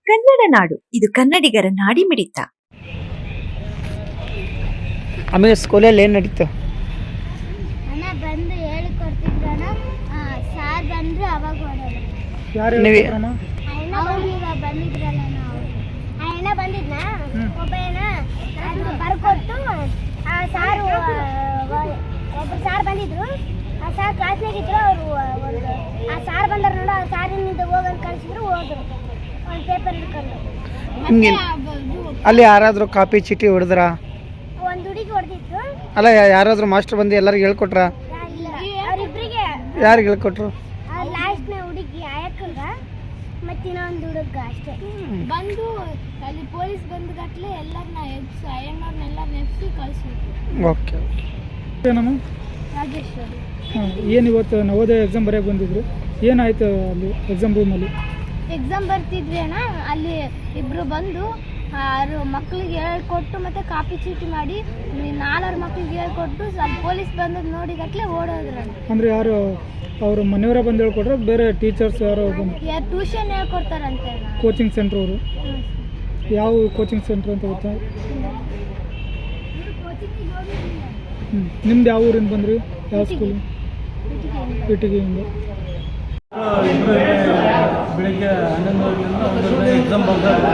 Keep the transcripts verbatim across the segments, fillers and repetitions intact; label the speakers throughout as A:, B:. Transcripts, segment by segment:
A: ಕನ್ನಡ ನಾಡು, ಇದು ಕನ್ನಡಿಗರ ನಾಡಿ ಮಿಡಿತ.
B: ಆಮೇಲೆ ಸ್ಕೂಲಲ್ಲಿ ಏನು ನಡೀತು?
C: ಅಣ್ಣ ಬಂದು ಹೇಳಿ ಕೊಡ್ತಿದ್ರಣ, ಸಾರ್ ಬಂದ್ರು ಅವಾಗ ಓಡೋದು.
B: ಯಾರು ನೀವು
C: ಅವ್ರೀಗ ಬಂದಿದ್ರಲ್ಲ ನಾವು ಆ ಅಣ್ಣ ಬಂದಿದ್ನ ಒಬ್ಬ ಅಣ್ಣ ಅದು ಬರ್ಕೊಟ್ಟು ಆ ಸಾರು ಒಬ್ಬರು ಸಾರ್ ಬಂದಿದ್ರು. ಆ ಸಾರ್ ಕ್ಲಾಸ್ನಾಗಿದ್ರು. ಅವರು ಒಂದು ಆ ಸಾರ್ ಬಂದಾರ ನೋಡು, ಆ ಸಾರಿನಿಂದ ಹೋಗಂತ ಕಳಿಸಿದ್ರು. ಹೋದ್ರು ಒಂದು ಪೇಪರ್ ಹಿಡ್ಕೊಂಡು.
B: ನಿಮ್ಗೆ ಅಲ್ಲಿ ಯಾರಾದರೂ ಕಾಪಿ ಚೀಟಿ ಹೊಡೆದ್ರ?
C: ಒಂದು ಹುಡುಗಿ ಹೊಡೆದಿತ್ತು.
B: ಅಲ್ಲ, ಯಾರಾದರೂ ಮಾಸ್ಟರ್ ಬಂದು ಎಲ್ಲರಿಗೂ ಹೇಳ್ಕೊಟ್ರ?
C: ಅವರಿಬ್ಬರಿಗೆ.
B: ಯಾರಿಗೆ ಹೇಳ್ಕೊಟ್ರು?
C: ಲಾಸ್ಟ್ನ ಹುಡುಗಿ ಆಯಕ್ಕಂಗ ಮತ್ತೆ ಇನ್ನೊಂದು ಹುಡುಗ ಅಷ್ಟೇ ಬಂದು ಅಲ್ಲಿ ಪೊಲೀಸ್ ಬಂದು ಗಟ್ಲೆ ಎಲ್ಲರನ್ನ ಎಬ್ಸಿ ಅಯ್ಯಣ್ಣವ್ರನ್ನೆಲ್ಲರನ್ನ ಎಬ್ಸಿ ಕಳಿಸಿದ್ರು.
B: ಓಕೆ.
D: ನಮ್ಮ
C: ರಾಜೇಶ್ವರಿ.
D: ಹಾಂ, ಏನು ಇವತ್ತು ನವೋದಯ ಎಕ್ಸಾಮ್ ಬರೆಯೋಕೆ ಬಂದಿದ್ರು, ಏನಾಯ್ತು ಅಲ್ಲಿ ಎಕ್ಸಾಮ್ ರೂಮಲ್ಲಿ?
C: ಎಕ್ಸಾಮ್ ಬರ್ತಿದ್ವಿ ಅಣ್ಣ, ಅಲ್ಲಿ ಇಬ್ಬರು ಬಂದು ಆರು ಮಕ್ಕಳಿಗೆ ಹೇಳ್ಕೊಟ್ಟು ಮತ್ತು ಕಾಪಿ ಚೀಟಿ ಮಾಡಿ ನಾಲ್ವರು ಮಕ್ಕಳಿಗೆ ಹೇಳ್ಕೊಟ್ಟು ಅಲ್ಲಿ ಪೊಲೀಸ್ ಬಂದದ್ದು ನೋಡಿ ಗಟ್ಲೆ ಓಡೋದ್ರು ಅಣ್ಣ.
D: ಅಂದರೆ ಯಾರು ಅವರು ಮನೆಯವರೇ ಬಂದು ಹೇಳ್ಕೊಟ್ರೆ ಬೇರೆ ಟೀಚರ್ಸ್ ಯಾರೋ ಬಂದು?
C: ಯಾರು ಟ್ಯೂಷನ್ ಹೇಳ್ಕೊಡ್ತಾರಂತೆ ಅಣ್ಣ.
D: ಕೋಚಿಂಗ್ ಸೆಂಟ್ರ್ ಅವರು? ಯಾವ ಕೋಚಿಂಗ್ ಸೆಂಟ್ರ್ ಅಂತ ಗೊತ್ತಾ? ಹ್ಞೂ. ನಿಮ್ದು ಯಾವ ಊರಿಂದ ಬಂದ್ರಿ? ಯಾವ ಸ್ಕೂಲು? ಇಟಿಗೆಯಿಂದ.
E: ಬೆಳಿಗ್ಗೆ ಹನ್ನೊಂದುವರೆಯಿಂದ ಒಂದೂವರೆ ಎಕ್ಸಾಮ್ ಬರ್ತಾರೆ.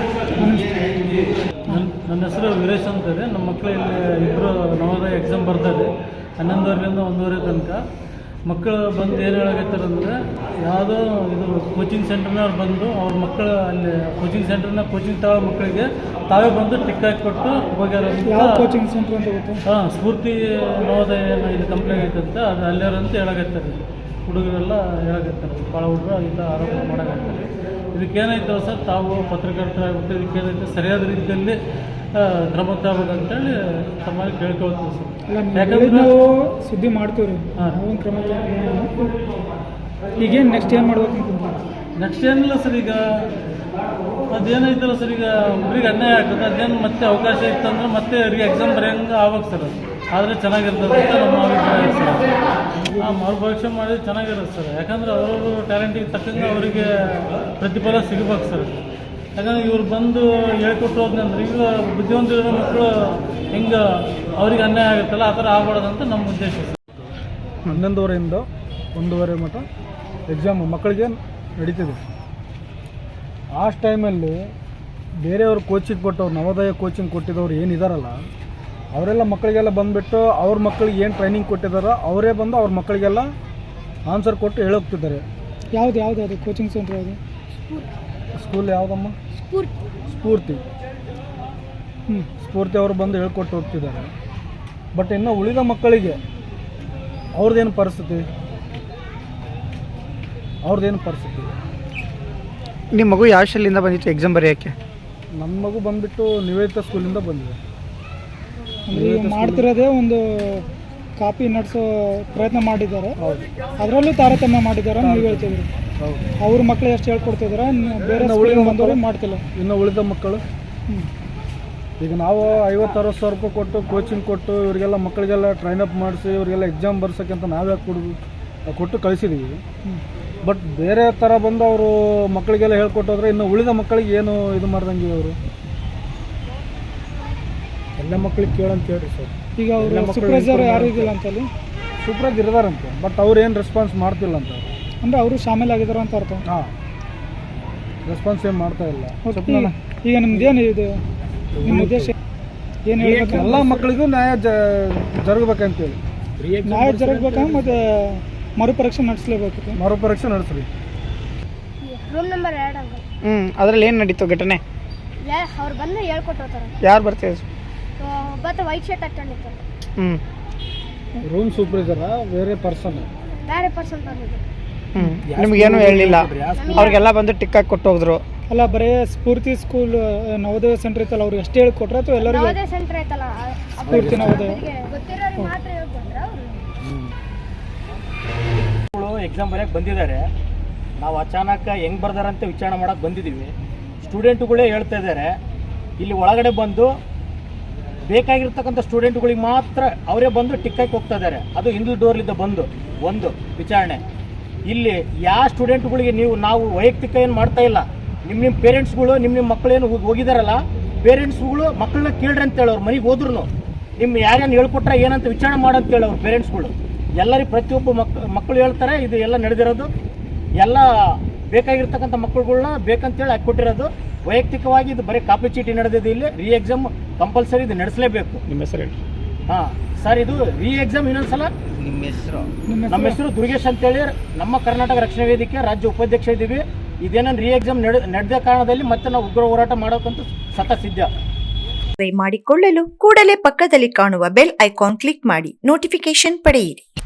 E: ನನ್ನ ನನ್ನ ಹೆಸರು ವೀರೇಶ್ ಅಂತಾರೆ. ನಮ್ಮ ಮಕ್ಕಳು ಇಲ್ಲಿ ಇಬ್ಬರು ನವೋದಯ ಎಕ್ಸಾಮ್ ಬರ್ತಾರೆ. ಹನ್ನೊಂದುವರೆಯಿಂದ ಒಂದೂವರೆ ತನಕ ಮಕ್ಕಳು ಬಂದು ಏನು ಹೇಳಕತ್ತಾರೆ ಅಂದರೆ, ಯಾವುದೋ ಇದು ಕೋಚಿಂಗ್ ಸೆಂಟರ್ನವ್ರು ಬಂದು ಅವ್ರ ಮಕ್ಕಳು ಅಲ್ಲಿ ಕೋಚಿಂಗ್ ಸೆಂಟರ್ನ ಕೋಚಿಂಗ್ ತಗೊಳ್ಳೋ ಮಕ್ಕಳಿಗೆ ತಾವೇ ಬಂದು ಟಿಕ್ ಹಾಕಿ ಕೊಟ್ಟು ಹೋಗ್ಯಾರ.
D: ಯಾವ ಕೋಚಿಂಗ್ ಸೆಂಟ್ರ್ ಅಂತ ಗೊತ್ತಾ?
E: ಹಾಂ, ಸ್ಫೂರ್ತಿ ನವೋದಯ ಇದು ಕಂಪ್ಲೇಂಟ್ ಐತಂತ ಅದು ಅಲ್ಲಾರಂತ ಹೇಳಕತ್ತಾರೆ. ಹುಡುಗರೆಲ್ಲ ಹೇಳಕತ್ತಾರೆ, ಭಾಳ ಹುಡುಗರು ಇಲ್ಲ ಆರೋಪ ಮಾಡಕತ್ತಾರೆ. ಇದಕ್ಕೇನಾಯ್ತು ಸರ್, ತಾವು ಪತ್ರಕರ್ತರಾಗ್ಬಿಟ್ಟು ಇದಕ್ಕೇನೈತೆ ಸರಿಯಾದ ರೀತಿಯಲ್ಲಿ ಕ್ರಮ ತಗೋಬೇಕಂತೇಳಿ ತಮ್ಮಲ್ಲಿ ಕೇಳ್ಕೊಳ್ತೀವಿ ಸರ್.
D: ಯಾಕಂದ್ರೆ ನಾವು ಸುದ್ದಿ ಮಾಡ್ತೀವಿ ರೀ, ನಾವು ಕ್ರಮ ತಗೊಂಡು. ಈಗೇನು ನೆಕ್ಸ್ಟ್ ಏನು ಮಾಡ್ಬೇಕು ಅಂತ?
E: ನೆಕ್ಸ್ಟ್ ಏನಿಲ್ಲ ಸರ್, ಈಗ ಅದೇನೈತಲ್ಲ ಸರ್, ಈಗ ಒಬ್ರಿಗೆ ಅನ್ಯಾಯ ಆಗ್ತದೆ. ಅದೇನು ಮತ್ತೆ ಅವಕಾಶ ಇತ್ತಂದ್ರೆ ಮತ್ತೆ ಅವ್ರಿಗೆ ಎಕ್ಸಾಮ್ ಬರೆಯಂಗೆ ಆಗ್ಬೇಕು ಸರ್. ಆದರೆ ಚೆನ್ನಾಗಿರ್ತದೆ ಅಂತ ನಮ್ಮ ಅಭಿಪ್ರಾಯ ಸರ್. ಆ ಮರುಭವಿಷ್ಯ ಮಾಡಿದ್ರೆ ಚೆನ್ನಾಗಿರುತ್ತೆ ಸರ್. ಯಾಕಂದ್ರೆ ಅವ್ರವ್ರ ಟ್ಯಾಲೆಂಟಿಗೆ ತಕ್ಕಂಗೆ ಅವರಿಗೆ ಪ್ರತಿಫಲ ಸಿಗಬೇಕು ಸರ್. ಯಾಕಂದ್ರೆ ಇವ್ರು ಬಂದು ಹೇಳ್ಕೊಟ್ಟು ಹೋದ್ನಂದ್ರೆ ಈಗ ಬುದ್ಧಿವಂತಿರೋ ಮಕ್ಕಳು ಹೆಂಗೆ ಅವ್ರಿಗೆ ಅನ್ಯಾಯ ಆಗುತ್ತಲ್ಲ, ಆ ಥರ ಆಗ್ಬಾರ್ದಂತ ನಮ್ಮ ಉದ್ದೇಶ ಸರ್.
D: ಹನ್ನೊಂದುವರೆಯಿಂದ ಒಂದೂವರೆ ಮಟ್ಟ ಎಕ್ಸಾಮ್ ಮಕ್ಕಳಿಗೆ ನಡೀತಿದೆ. ಆ ಟೈಮಲ್ಲಿ ಬೇರೆಯವ್ರು ಕೋಚಿಂಗ್ ಕೊಟ್ಟವ್ರು, ನವೋದಯ ಕೋಚಿಂಗ್ ಕೊಟ್ಟಿದ್ದವ್ರು ಏನಿದಾರಲ್ಲ, ಅವರೆಲ್ಲ ಮಕ್ಕಳಿಗೆಲ್ಲ ಬಂದುಬಿಟ್ಟು ಅವ್ರ ಮಕ್ಕಳಿಗೆ ಏನು ಟ್ರೈನಿಂಗ್ ಕೊಟ್ಟಿದ್ದಾರೋ ಅವರೇ ಬಂದು ಅವ್ರ ಮಕ್ಕಳಿಗೆಲ್ಲ ಆನ್ಸರ್ ಕೊಟ್ಟು ಹೇಳೋಗ್ತಿದ್ದಾರೆ. ಯಾವ್ದು ಯಾವುದು ಅದು ಕೋಚಿಂಗ್ ಸೆಂಟ್ರ್? ಯಾವುದು
E: ಸ್ಕೂಲ್ ಯಾವುದಮ್ಮ? ಸ್ಫೂರ್ತಿ.
D: ಹ್ಞೂ,
E: ಸ್ಫೂರ್ತಿ ಅವರು ಬಂದು ಹೇಳ್ಕೊಟ್ಟು ಹೋಗ್ತಿದ್ದಾರೆ. ಬಟ್ ಇನ್ನು ಉಳಿದ ಮಕ್ಕಳಿಗೆ ಅವ್ರದ್ದೇನು ಪರಿಸ್ಥಿತಿ ಅವ್ರದ್ದೇನು ಪರಿಸ್ಥಿತಿ
B: ನಿಮ್ಮ ಮಗು ಯಾವ ಶಾಲೆಯಿಂದ ಬಂದಿತ್ತು ಎಕ್ಸಾಮ್ ಬರೆಯೋಕ್ಕೆ?
E: ನಮ್ಮ ಮಗು ಬಂದುಬಿಟ್ಟು ನಿವೇದಿತ ಸ್ಕೂಲಿಂದ ಬಂದಿದೆ.
D: ಅಂದರೆ ಈಗ ಮಾಡ್ತಿರೋದೇ ಒಂದು ಕಾಪಿ ನಡೆಸೋ ಪ್ರಯತ್ನ ಮಾಡಿದ್ದಾರೆ. ಅದರಲ್ಲೂ ತಾರತಮ್ಯ ಮಾಡಿದ್ದಾರೆ ನೀವು ಹೇಳ್ತಿದ್ರಿ.
E: ಹೌದು.
D: ಅವ್ರ ಮಕ್ಕಳು ಎಷ್ಟು ಹೇಳ್ಕೊಡ್ತಿದ್ದಾರೆ, ಬೇರೆ ಉಳಿದ ಬಂದವರು ಮಾಡ್ತಿಲ್ಲ.
E: ಇನ್ನು ಉಳಿದ ಮಕ್ಕಳು ಈಗ ನಾವು ಐವತ್ತು ಅರವತ್ತು ಸಾವಿರ ರೂಪಾಯಿ ಕೊಟ್ಟು ಕೋಚಿಂಗ್ ಕೊಟ್ಟು ಇವರಿಗೆಲ್ಲ ಮಕ್ಕಳಿಗೆಲ್ಲ ಟ್ರೈನಪ್ ಮಾಡಿಸಿ ಇವರಿಗೆಲ್ಲ ಎಕ್ಸಾಮ್ ಬರ್ಸೋಕ್ಕೆ ಅಂತ ನಾವೇ ಕೊಡು ಕೊಟ್ಟು ಕಳಿಸಿದ್ದೀವಿ. ಬಟ್ ಬೇರೆ ಥರ ಬಂದು ಅವರು ಮಕ್ಕಳಿಗೆಲ್ಲ ಹೇಳ್ಕೊಟ್ಟೋದ್ರೆ ಇನ್ನು ಉಳಿದ ಮಕ್ಕಳಿಗೆ ಏನು ಇದು ಮಾಡ್ದಂಗೆ ಅವರು ಎಲ್ಲ ಮಕ್ಕಳಿಗೆ ಕೇಳಂತ ಹೇಳ್ರಿ ಸರ್.
D: ಈಗ ಅವರು ಸೂಪರ್ವೈಸರ್ ಯಾರು ಇದಿಲ್ಲ ಅಂತಲ್ಲಿ?
E: ಸೂಪರ್ವೈಸರ್ ಇರ್ತಾರಂತೆ, ಬಟ್ ಅವ್ರು ಏನು ರೆಸ್ಪಾನ್ಸ್ ಮಾಡ್ತಿಲ್ಲ ಅಂತ.
D: ಅಂದರೆ ಅವರು ಶಾಮೀಲಾಗಿದ್ದಾರೆ ಅಂತ ಅರ್ಥ?
E: ಹಾಂ, ರೆಸ್ಪಾನ್ಸ್ ಏನು ಮಾಡ್ತಾ ಇಲ್ಲ.
D: ಈಗ ನಿಮ್ದೇನು ಇದು ನಿಮ್ಮ ಉದ್ದೇಶ ಏನು ಹೇಳಬೇಕು?
E: ಎಲ್ಲ ಮಕ್ಕಳಿಗೂ ನ್ಯಾಯ ಜ ಜರುಗಬೇಕಂತೇಳಿ.
D: ನ್ಯಾಯ ಜರುಗಬೇಕಾ ಮತ್ತು ಮರುಪರೀಕ್ಷೆ ನಡೆಸಲೇಬೇಕು?
E: ಮರುಪರೀಕ್ಷೆ ನಡೆಸ್ರಿ.
C: ರೂಮ್ ನಂಬರ್ ಎರಡು ಅಂಕ.
B: ಹ್ಞೂ, ಅದರಲ್ಲಿ ಏನು ನಡೀತು ಘಟನೆ?
C: ಅವ್ರು ಬಂದು ಹೇಳ್ಕೊಟ್ಟು ಹೋಗ್ತಾರೆ.
B: ಯಾರು ಬರ್ತಿದ್ರು?
C: ಒಬ್ಬತ್ತ ವೈಟ್ ಶರ್ಟ್ ಹಾಕೊಂಡಿರ್ತಾರೆ.
B: ಹ್ಞೂ,
E: ರೂಮ್ ಸೂಪರ್ವೈಸರಾ ಬೇರೆ ಪರ್ಸನ್?
C: ಬೇರೆ ಪರ್ಸನ್ ಬಂದಿದ್ರು.
B: ಹ್ಞೂ, ನಿಮಗೇನು ಹೇಳಲಿಲ್ಲ? ಅವ್ರಿಗೆಲ್ಲ ಬಂದು ಟಿಕ್ ಹಾಕಿ ಕೊಟ್ಟು ಹೋದ್ರು?
D: ಅಲ್ಲ, ಬರೀ ಸ್ಫೂರ್ತಿ ಸ್ಕೂಲ್ ನವೋದಯ ಸೆಂಟರ್ ಇತ್ತಲ್ಲ ಅವ್ರಿಗೆ ಅಷ್ಟೇ ಹೇಳ್ಕೊಟ್ರೆ ಅಥವಾ ಎಲ್ಲರಿಗೂ?
C: ನವೋದಯ ಸೆಂಟರ್ ಐತಲ್ಲ,
D: ಸ್ಫೂರ್ತಿ ನವೋದಯ
C: ಗೊತ್ತಿರೋರಿಗೆ ಮಾತ್ರ ಹೇಳ್ಕೊಟ್ರೆ ಅವರು.
F: ಎಕ್ಸಾಮ್ ಬರೆಯೋಕ್ಕೆ ಬಂದಿದ್ದಾರೆ. ನಾವು ಅಚಾನಕ್ ಹೆಂಗೆ ಬರ್ದಾರಂತ ವಿಚಾರಣೆ ಮಾಡೋಕ್ಕೆ ಬಂದಿದ್ದೀವಿ. ಸ್ಟೂಡೆಂಟುಗಳೇ ಹೇಳ್ತಾ ಇದ್ದಾರೆ, ಇಲ್ಲಿ ಒಳಗಡೆ ಬಂದು ಬೇಕಾಗಿರ್ತಕ್ಕಂಥ ಸ್ಟೂಡೆಂಟ್ಗಳಿಗೆ ಮಾತ್ರ ಅವರೇ ಬಂದು ಟಿಕ್ ಹಾಕಿ ಹೋಗ್ತಾ ಇದ್ದಾರೆ. ಅದು ಹಿಂದೂ ಡೋರ್ಲಿದ್ದ ಬಂದು ಒಂದು ವಿಚಾರಣೆ. ಇಲ್ಲಿ ಯಾವ ಸ್ಟೂಡೆಂಟ್ಗಳಿಗೆ ನೀವು ನಾವು ವೈಯಕ್ತಿಕ ಏನು ಮಾಡ್ತಾ ಇಲ್ಲ, ನಿಮ್ಮ ನಿಮ್ಮ ಪೇರೆಂಟ್ಸ್ಗಳು ನಿಮ್ಮ ನಿಮ್ಮ ಮಕ್ಕಳೇನು ಹೋಗಿದಾರಲ್ಲ ಪೇರೆಂಟ್ಸ್ಗಳು ಮಕ್ಕಳನ್ನ ಕೇಳ್ರಿ ಅಂತ ಹೇಳೋರು ಮನೆಗೆ ಹೋದ್ರು ನಿಮ್ಮ ಯಾರ್ಯಾರು ಹೇಳ್ಕೊಟ್ರೆ ಏನಂತ ವಿಚಾರಣೆ ಮಾಡಂತ ಹೇಳೋರು ಪೇರೆಂಟ್ಸ್ಗಳು ಎಲ್ಲರಿಗೆ ಪ್ರತಿಯೊಬ್ಬ ಮಕ್ ಮಕ್ಕಳು ಹೇಳ್ತಾರೆ ಇದು ಎಲ್ಲ ನಡೆದಿರೋದು ಎಲ್ಲ ಬೇಕಾಗಿರ್ತಕ್ಕಂಥ ಮಕ್ಕಳುಗಳ್ನ ಬೇಕಂತೇಳಿ ಹಾಕ್ಕೊಟ್ಟಿರೋದು ವೈಯಕ್ತಿಕವಾಗಿ ಇದು ಬರೀ ಕಾಪಿ ಚೀಟಿ ನಡೆದಿದೆ ಇಲ್ಲಿ ರೀ ಎಕ್ಸಾಮ್ ಕಂಪಲ್ಸರಿ ಇದು ನಡೆಸಲೇಬೇಕು.
B: ನಿಮ್ಮ ಹೆಸರು ಹೇಳಿ.
F: ಹಾಂ ಸರ್, ಇದು ರೀ ಎಕ್ಸಾಮ್ ಇನ್ನೊಂದ್ಸಲ
B: ನಿಮ್ಮ ಹೆಸರು
F: ನಮ್ಮ ಹೆಸರು ದುರ್ಗೇಶ್ ಅಂತೇಳಿ ನಮ್ಮ ಕರ್ನಾಟಕ ರಕ್ಷಣಾ ವೇದಿಕೆ ರಾಜ್ಯ ಉಪಾಧ್ಯಕ್ಷ ಇದ್ದೀವಿ. ಇದೇನೋ ರೀ ಎಕ್ಸಾಮ್ ನಡೆ ನಡೆದ ಕಾರಣದಲ್ಲಿ ಮತ್ತೆ ನಾವು ಉಗ್ರ ಹೋರಾಟ ಮಾಡೋಕ್ಕಂತೂ ಸತ ಸಿದ್ಧ.
A: ಮಾಡಿಕೊಳ್ಳಲು ಕೂಡಲೇ ಪಕ್ಕದಲ್ಲಿ ಕಾಣುವ ಬೆಲ್ ಐಕಾನ್ ಕ್ಲಿಕ್ ಮಾಡಿ ನೋಟಿಫಿಕೇಶನ್ ಪಡೆಯಿರಿ.